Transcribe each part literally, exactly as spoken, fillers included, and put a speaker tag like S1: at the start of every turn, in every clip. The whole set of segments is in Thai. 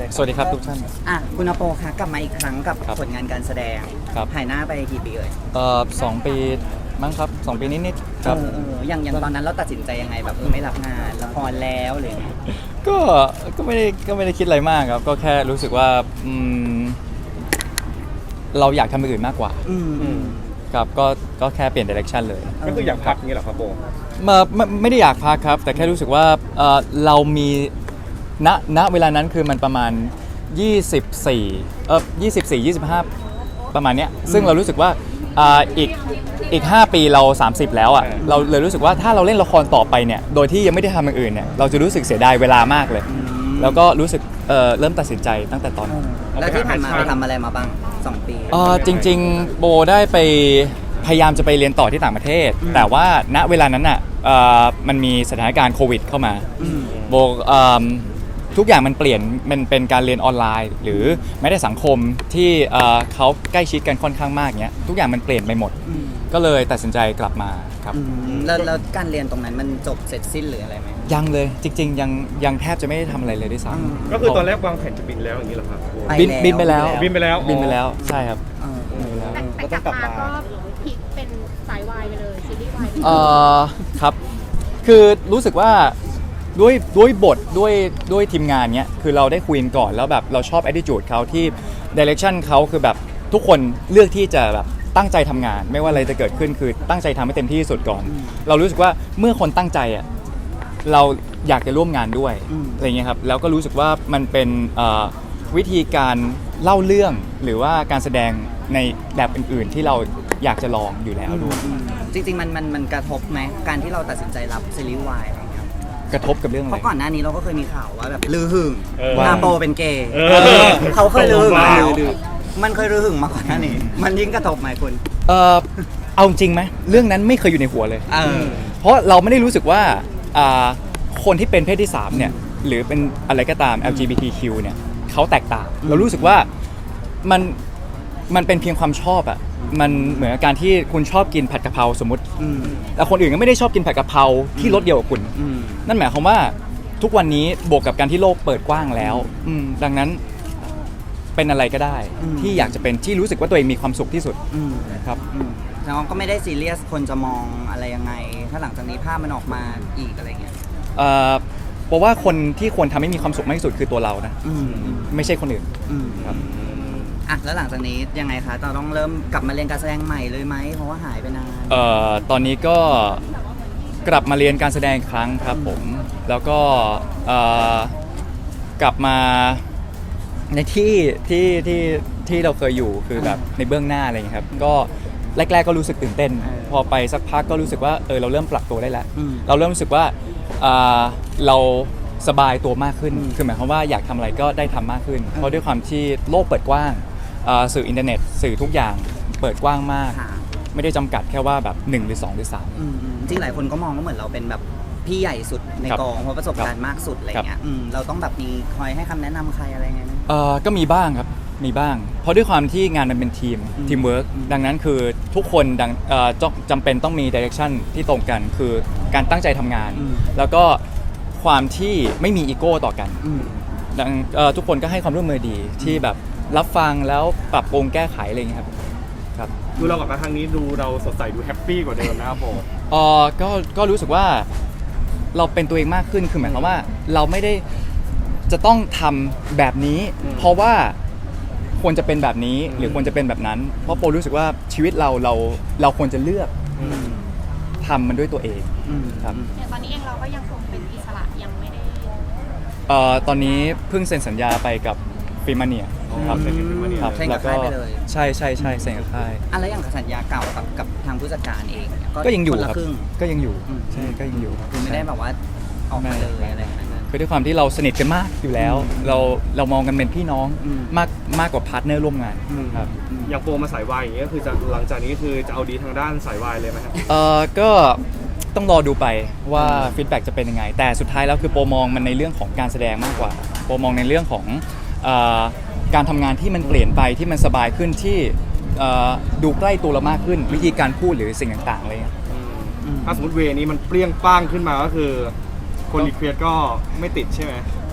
S1: เลย
S2: สวัสดีครับทุกท่าน
S3: อ่ะคุณอโปคะกลับมาอีกครั้งกับ
S2: ครับ
S3: ผลงานการแสดง
S2: ครับ
S3: หายหน้าไปกี่ปีเอ่ย
S2: เอ่อสองปีมั้งครับสองปีนิดๆค
S3: เอ
S2: รับ
S3: อเอออย่างอย่างตอนนั้นเราตัดสินใจยังไงแบบเออไม่รับงานละครแล้วหรือยังไง
S2: ก็ก็ไม่ได้ก็ไม่ได้คิดอะไรมากครับก็แค่รู้สึกว่าอืมเราอยากทำอย่างอื่นมากกว่า
S3: อืมอืม
S2: ครับก็ก็แค่เปลี่ยนดิเรกชันเลย
S1: ก็คืออยากพักงี้เหรอครับโบ
S2: มาไม่ไม่ได้อยากพักครับ แต่แค่รู้สึกว่าเอ่อเรามีณณเวลานั้นคือมันประมาณยี่สิบสี่เออยี่สิบสี่ ยี่สิบห้าประมาณเนี้ยซึ่งเรารู้สึกว่าอ่าอีกอีกห้าปีเราสามสิบแล้วอ่ะเราเลยรู้สึกว่าถ้าเราเล่นละครต่อไปเนี่ยโดยที่ยังไม่ได้ทำอย่างอื่นเนี่ยเราจะรู้สึกเสียดายเวลามากเลย แล้วก็รู้สึกเอ่อเริ่มตัดสินใจตั้งแต่ตอนนั้น
S3: แล้วที่ผ่านมาไปทำอะไรมาบ้างสองปี
S2: เอ่อจริงๆโบได้ไปพยายามจะไปเรียนต่อที่ต่างประเทศ แต่ว่าณเวลานั้นอ่ะเอ่อมันมีสถานการณ์โควิดเข้ามา
S3: อืม
S2: โบเอิ่มทุกอย่างมันเปลี่ยนมันเป็นการเรียนออนไลน์ หรือแม้แต่สังคมที่เอ่อเขาใกล้ชิดกันค่อนข้างมากเนี้ยทุกอย่างมันเปลี่ยนไปหมด
S3: อืม
S2: ก็เลยตัดสินใจกลับมาครับ
S3: อืมแล้วแล้วการเรียนตรงนั้นมันจบเสร็จสิ้นหรืออะไรไหม
S2: ยังเลยจริงๆยังยังแทบจะไม่ได้ทำอะไรเลยด้วยซ้
S3: อืม
S2: ำ
S1: ก็คือตอนแรกวางแผนจะบินแล้วอย่างนี้เหรอครับโบ
S3: ไป
S2: บินบินไปแล้ว
S1: บินไปแล้ว
S2: บินไปแล้วใช่ครับ
S3: เออเออ
S4: แต่แต่กลับมาก็พลิกเป็นสายวายไปเลยซีรีส์วายไปเลย
S2: เอ่อครับ คือรู้สึกว่าด้วยด้วยบทด้วยด้วยทีมงานเนี้ยคือเราได้คุยกันก่อนแล้วแบบเราชอบ attitude เขาที่ direction เขาคือแบบทุกคนเลือกที่จะแบบตั้งใจทำงาน ไม่ว่าอะไรจะเกิดขึ้นคือตั้งใจทำให้เต็มที่ที่สุดก่อน เรารู้สึกว่าเมื่อคนตั้งใจอ่ะเราอยากจะร่วมงานด้วย
S3: อืม
S2: อะไรเงี้ยครับแล้วก็รู้สึกว่ามันเป็นเอ่อวิธีการเล่าเรื่องหรือว่าการแสดงในแบบอื่นๆ ที่เราอยากจะลองอยู่แล้วด้วย
S3: อืมจริงๆมันมันมันกระทบไหมการที่เราตัดสินใจรับซีรีส์วายอะไรเงี้ย
S2: กระทบกับเรื่องอะ
S3: เพ
S2: ไร
S3: ราะก่อนหน้านี้เราก็เคยมีข่าวว่าแบบลือหึง
S1: เออ
S3: นาโปเป็นเกย์
S1: เออ
S3: เขาเคยลือหึง
S1: ว้า
S3: แล้ว
S1: ว
S3: มันเคยลือหึงมาก่อนหน้านี้มันยิ่งกระทบไหมคุณ
S2: เออเอาจริงไหมเรื่องนั้นไม่เคยอยู่ในหัวเลย
S3: เออ
S2: เพราะเราไม่ได้รู้สึกว่าอ่าคนที่เป็นเพศที่สามเนี่ยหรือเป็นอะไรก็ตาม แอล จี บี ที คิว เนี่ยเขาแตกต่าง เรารู้สึกว่ามันมันเป็นเพียงความชอบอะมันเหมือนกับการที่คุณชอบกินผัดกะเพราสมมติ
S3: อืม
S2: แต่คนอื่นก็ไม่ได้ชอบกินผัดกะเพราที่รสเดียวกับคุณ
S3: อืม
S2: นั่นหมายความว่าทุกวันนี้บวกกับการที่โลกเปิดกว้างแล้วอืมดังนั้นเป็นอะไรก็ได้
S3: อืม
S2: ที่อยากจะเป็นที่รู้สึกว่าตัวเองมีความสุขที่สุด
S3: อืม
S2: ครับ
S3: อืมแล้วก็ไม่ได้ซีเรียสคนจะมองอะไรยังไง ถ้าหลังจากนี้ภาพมันออกมาอีกอะไรเงี้ย
S2: เอ่อเพราะว่าคนที่ควรทำให้มีความสุขมากที่สุดคือตัวเรานะ
S3: อืม
S2: ไม่ใช่คนอื่น
S3: อืม
S2: ครับ
S3: อ่ะแล้วหลังจากนี้ยังไงคะเราต้องเริ่มกลับมาเรียนการแสดงใหม่เลยไหมเพราะว่าหายไปนาน
S2: เอ่อตอนนี้ก็กลับมาเรียนการแสดงอีกครั้งครับผม แล้วก็เอ่อกลับมาในที่ที่ที่ที่เราเคยอยู่คือแบบในเบื้องหน้าอะไรอย่างเงี้ยครับก็แรก ๆก็รู้สึกตื่นเต้น พอไปสักพักก็รู้สึกว่าเออเราเริ่มปรับตัวได้แล้ว
S3: อืม
S2: เราเริ่มรู้สึกว่าอ่าเราสบายตัวมากขึ้น
S3: อืม
S2: คือหมายความว่าอยากทำอะไรก็ได้ทำมากขึ้น เพราะด้วยความที่โลกเปิดกว้างอ่าสื่ออินเทอร์เน็ต สื่อทุกอย่างเปิดกว้างมาก
S3: ค่ะ
S2: ไม่ได้จำกัดแค่ว่าแบบหนึ่งหรือสองหรือสาม
S3: อืมอืมจริงหลายคนก็มองว่าเหมือนเราเป็นแบบพี่ใหญ่สุดใน
S2: ครับ
S3: กองเพราะประสบการณ์มากสุดอะไรเงี้ยอืมเราต้องแบบมีคอยให้คำแนะนำใครอะไรเงี้ยไหม
S2: เอ่อก็มีบ้างครับ มีบ้าง เพราะด้วยความที่งานมันเป็นทีม
S3: อืม
S2: ทีมเวิร์ก
S3: อืม
S2: ดังนั้นคือทุกคนดังเอ่อจจำเป็นต้องมีดิเรกชันที่ตรงกัน คือการตั้งใจทำงาน
S3: อืม
S2: แล้วก็ความที่ไม่มีอีโก้ต่อกัน
S3: อืม
S2: ดังเอ่อทุกคนก็ให้ความร่วมมือดีที่แบบรับฟังแล้วปรับปรุงแก้ไขอะไรอย่างเงี้ยครับครับ
S1: ดูเรากลับมาครั้งนี้ดูเราสดใสดูแฮปปี้กว่าเดิมนะครับโบ
S2: เอ่อก็ก็รู้สึกว่าเราเป็นตัวเองมากขึ้นคือหมายความว่าเราไม่ได้จะต้องทำแบบนี้ เพราะว่าควรจะเป็นแบบนี้หรือควรจะเป็นแบบนั้น เพราะโปรู้สึกว่าชีวิตเราเราเราควรจะเลือก
S3: อืม
S2: ทำมันด้วยตัวเอง
S3: อืม
S2: ครับ
S4: อย่างตอนนี้เองเราก็ยังคงเป็นอิสระยังไม่ได้
S2: เอ่อตอนนี้เพิ่งเซ็นสัญญาไปกับฟิมาเนียครับ
S1: เซ็นกับ Filmania
S2: ครับ
S3: เซ็นกับ
S2: แล้วก็
S3: ค่ายไปเลย
S2: ใช่ใช่ใช่เซ็นกับค่าย
S3: อะไรอย่างกับสัญญาเก่ากับกับทางผู้จัดการเองเนี่ย
S2: ก็ยังอยู่
S3: คนละ
S2: ครับ
S3: ครึ่ง
S2: ก็ยังอยู่
S3: อืม
S2: ใช่ก็ยังอยู่
S3: คือไม่ได้แบบว่าออกมาเลยอะไรอย่างเงี้ย
S2: คือด้วยความที่เราสนิทกันมากอยู่แล้ว
S3: อืม
S2: เราเรามองกันเป็นพี่น้อง
S3: อืม
S2: มากมากกว่าพาร์ทเนอร์ร่วมงาน
S3: อืม
S2: ครับ
S1: อย่างโบมาสายวายอย่างเงี้ยคือจะหลังจากนี้คือจะเอาดีทางด้านสายวายเลยไหมครับ
S2: เอ่อก็ต้องรอดูไปว่าฟีดแบ็กจะเป็นยังไง แต่สุดท้ายแล้วคือโปรมองมันในเรื่องของการแสดงมากกว่าโปรมองในเรื่องของเอ่อการทำงานที่มันเปลี่ยนไปที่มันสบายขึ้นที่เอ่อดูใกล้ตัวเรามากขึ้น วิธีการพูดหรือสิ่งต่างๆอะไรเงี้ย
S3: อืม
S1: ถ้าสมมติเวนี้มันเปรี้ยงป้างขึ้นมาก็คือ คนรีเควสก็ไม่ติดใช่ไหม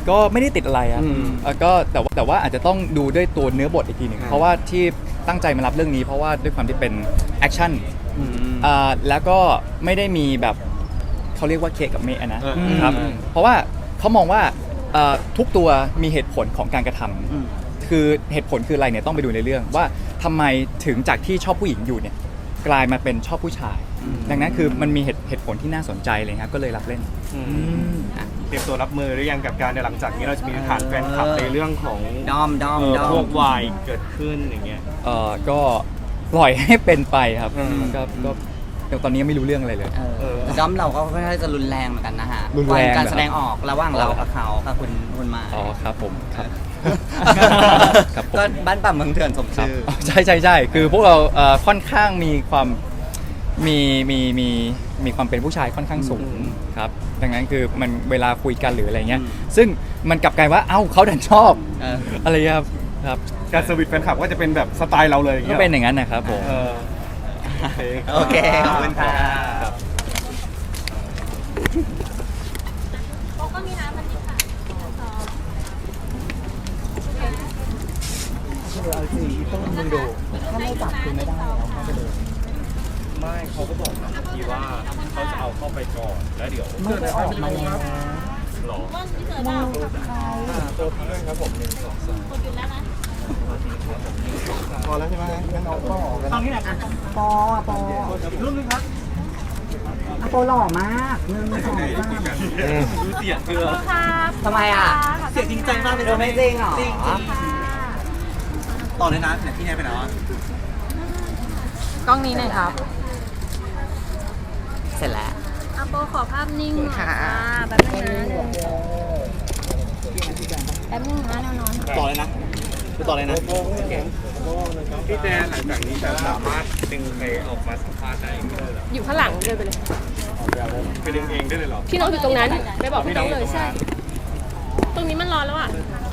S2: ก็ไม่ได้ติดอะไรครับ
S1: อืม
S2: เอ่อก็แต่ว่าแต่ว่าอาจจะต้องดูด้วยตัวเนื้อบทอีกทีหนึ่ง
S1: ครับ
S2: เพราะว่าที่ตั้งใจมารับเรื่องนี้เพราะว่าด้วยความที่เป็นแอคชั่น
S1: อืม
S2: อ่าแล้วก็ไม่ได้มีแบบเขาเรียกว่าเคกับเมะนะ
S1: เออ
S2: ครับ
S1: อืม
S2: เพราะว่าเขามองว่าเอ่อทุกตัวมีเหตุผลของการกระทำ
S3: อืม
S2: คือเหตุผลคืออะไรเนี่ยต้องไปดูในเรื่องว่าทำไมถึงจากที่ชอบผู้หญิงอยู่เนี่ยกลายมาเป็นชอบผู้ชาย ดังนั้นคือมันมีเหตุเหตุผลที่น่าสนใจเลยครับก็เลยรับเล่น
S1: อืมเตรียมตัวรับมือหรือยังกับการในหลังจากนี้เราจะมีฐานแฟนคลับในเรื่องของ
S3: ดอมดอม
S1: เอ่อ
S3: ดอ
S1: พว
S3: ม
S1: กวายเกิดขึ้นอย่างเงี้ย
S2: เอ่อก็ปล่อยให้เป็นไปครับ
S1: อืม
S2: ก็ก็แต่ตอนนี้ยังไม่รู้เรื่องอะไรเลย
S3: เออ
S1: เออ
S3: แต่ดอมเราก็ค่อนข้างจะรุนแรงเหมือนกันนะฮะ
S2: รุนแรง
S3: การ
S2: เหรอ
S3: แสดงออกระหว่างเรากับเขากับคุณคุณมา
S2: อ๋อครับผมครับ ครับผม
S3: ก็บ้านป่าเมืองเถื่อนสม
S2: ครับ
S3: ชื่อ
S2: อ๋อใช่ใช่ใช่คือพวกเราเอ่อค่อนข้างมีความมีมีมีมีความเป็นผู้ชายค่อนข้างสูง
S1: อืม
S2: ครับดังนั้นคือมันเวลาคุยกันหรืออะไรเงี้ย
S3: อืม
S2: ซึ่งมันกลับกลายว่าเอ้าเขาดันชอบ
S3: เออ
S2: อะไรเงี้ยครับครับ
S1: การเซอร์วิสแฟนคลับก็จะเป็นแบบสไตล์เราเลยอย่าง
S2: ก็
S1: เงี้ย
S2: เป็นอย่างนั้นนะครับผม
S1: เออโอเค
S3: โอเคขอบคุณครับ
S4: ก็มีน้ำมันนี่ค่ะ
S1: ไม่เขาก็บอกนะเมื่อกี้ว่าเขาจะเอาเข้าไปก่อนแล้วเดี๋ยว
S3: ไม่ได้ออกมาแล้ว
S1: หรอ
S4: มันที่เสือดาว
S1: ตัวพี่ด้วยครับผมหนึ่งสองสาม
S4: กดอยู่แล้วนะ
S1: พอแล้วใช่ไหมงั้นเอาก็ออกกัน
S3: ตอนนี้แหละปอปอ
S1: รุ่นนึงครับ
S3: อะโปหล่อมากหนึ่งสองสาม
S1: ดูเสียงคือ
S4: ครับ
S3: ทำไมอ่ะ
S5: เสียงจริงใจมากเลย
S3: เธอไม่จริงเหรอ
S5: จริงจริงต่อเลยนะเนี่ยพี่แนนไปไหนวะ
S4: กล้องนี้หน่อยครับ
S3: เสร็จแล้ว
S4: อาโปขอภาพนิ่งหน่อย
S3: ค่ะ
S4: ค่ะแป๊บนึงนะแป๊บนึงนะแนวนอน
S5: ต่อเลยนะคือต่อเลยนะ
S1: พี่แจนหลังจากนี้จะสามารถดึงไปออกมาสัมภาษณ์ได้เองได้เหรอ
S4: อยู่ข้างหลังเดินไปเลย
S1: ไปดึงเองได้เลยเหรอ
S4: พี่น้องอยู่ตรงนั้น ไปบอกพี่น้องเลยใช่ ตรงนี้มันร้อนแล้วอ่ะ